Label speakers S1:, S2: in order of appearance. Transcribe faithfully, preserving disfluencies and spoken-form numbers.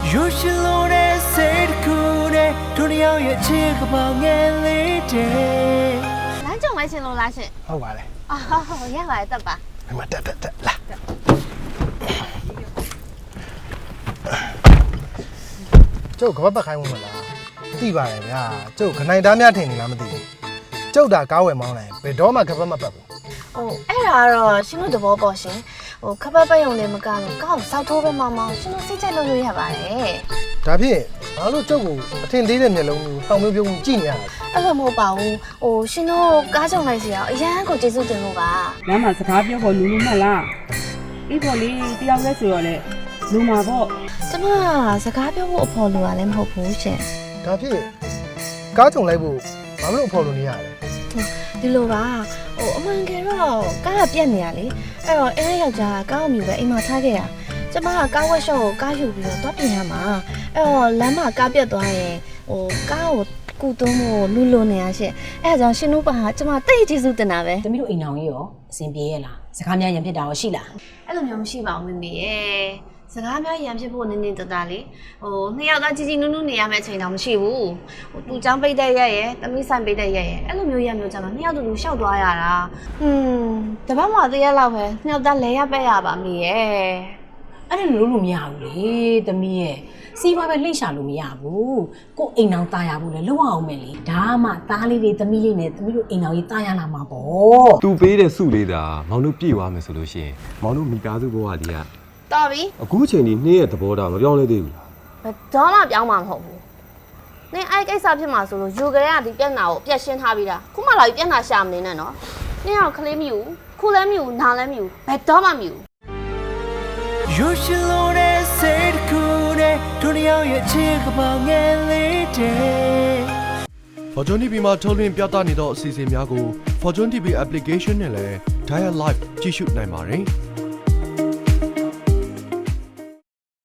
S1: You should know that said cool day တို့နှစ်ယောက်ရဲ့ချစ်ကပောင်ငယ်လေးတဲ့လမ်းကြုံလိုက်ရှင်လို့လားရှင်ဟုတ်ပါလေအော်ဟုတ်ရပါတယ်တက်ပါဒီမှာတက်တက်တက်လာကျုပ်ကပတ်ပတ်ခိုင်းဝင်မလားသိပါတယ်ဗျာကျုပ်ခနိုင်သားများထင်နေလားမသိဘူးကျုပ်တာကားဝယ်မောင်းလိုက်ဘယ်တော့မှကပတ်မပတ်ဘူး
S2: ဟိုအဲ့ဒါကတော့ရှင်တို့သဘောပေါက်ရှင်ဟိုခပတ်ပတ်ရုံနဲ့မကလို့ကောက်စောက်ထိုးပဲမောင်းမောင်းရှင်တို့စိတ်ကြိုက်လို့ရရပါတယ်
S1: ဒါဖြင့်ဘာလို့ကျုပ်ကိုအထင်သေးတဲ့မျက်လုံးကိုတောင်မျိုးပြုံးကြည့်နေရတာ
S2: အဲ့လိုမဟုတ်ပါဘူးဟိုရှင်တို့ကားကြုံလိုက်စီအောင်အရန်ကိုကျေးဇူးတင်လို့ပါ
S3: လမ်းမှာစကားပြောဖို့လူလူမှတ်လားအေးပေါ်လေးတယောက်လဲဆိုတော့လေလူမှာပေါ့
S2: ကျမစကားပြောဖို့အဖော်လိုရလည်းမဟုတ်ဘူးရှင်
S1: ဒါဖြင့်ကားကြုံလိုက်ဖို့ဘာလို့အဖော်လိုနေရလဲ
S2: ဒီလိုပါဟိုအမှန်ကယ်တော့ကားကပြက်နေရလေအဲ့တော့အဲယောက်ျားကားအမျိုးပဲအိမ်မှာထားခဲ့ရကျမကကားဝက်ရှော့ကိုကားယူပြီးတော့တွားပြင်ရမှာအဲ့တော့လမ်းမှာကားပြက်သွားရင်ဟိုကားကိုကူသွန်းဖို့လူလိုနေရရှင့်အဲ့ဒါကြောင့်ရှင်တို့ပါကျမတိတ်ကျေးဇူးတင်တာပဲ
S4: သမီးတို့အိမ်အောင်ကြီးရောအဆင်ပြေရဲ့လားစကားများရံဖြစ်တာရောရှိလား
S2: အဲ့လိုမျိုးမရှိပါဘူးမမေရဲ့စကားများရံဖြစ်ဖို့နင်းနေတတာလေဟိုနှစ်ယောက်သားကြီးကြီးနုနုနေရမယ့်အချိန်တော့မရှိဘူးဟိုသူ့ចောင်းပိတ်တဲ့ရက်ရဲ့သမီးဆိုင်ပိတ်တဲ့ရက်ရဲ့အဲ့လိုမျိုးရမျိုးကြမှာနှစ်ယောက်တူတူရှောက်သွားရတာဟွန်းတပတ်မှသေးရလောက်ပဲနှစ်ယောက်သားလဲရပဲ့ရပါမေရဲ့
S4: အဲ့ဒါလို့လို့မရဘူးလေသမီးရဲ့စီးပွားပဲလှိမ့်ရှာလို့မရဘူးကိုအိမ်အောင်ตายရဘူးလေလောက်အောင်မယ်လေဒါမှသားလေးတွေသမီးလေးနဲ့သမီးတို့အိမ်အောင်ကြီးตายရလာမှာပေါ့
S5: သူပေးတဲ့စုလေးတာမောင်တို့ပြေသွားမယ်ဆိုလို့ရှိရင်မောင်တို့မိသားစုဘဝလေးက
S2: တော်ပြီ
S5: အခုချိန်ဒီနေ့ရဲ့သဘောထားမပြောင်းလဲသေးဘူးလား
S2: ဘယ်တော့မှပြောင်းမှာမဟုတ်ဘူးနင်အဲ့ကိစ္စဖြစ်မှာဆိုလို့ယူကြရဒီပြက်နာကိုအပြက်ရှင်းထားပြီးတာခုမှလာပြီးပြက်နာရှာမနေနဲ့နော်နင်အောင်ကလေးမျိုးခုလည်းမျိုးနာလည်းမျိုးဘယ်တော့မှမျိုး You should know that said cool day တို့နှစ်ယောက်ရဲ့ချစ်ကပောင်ငယ်လေးတဲ့
S6: Fortune တီဗီ မှာထုတ်လွှင့်ပြသနေသောအစီအစဉ်များကို Fortune တီဗီ application နဲ့လည်း Dial Live ကြည့်ရှုနိုင်ပါတယ်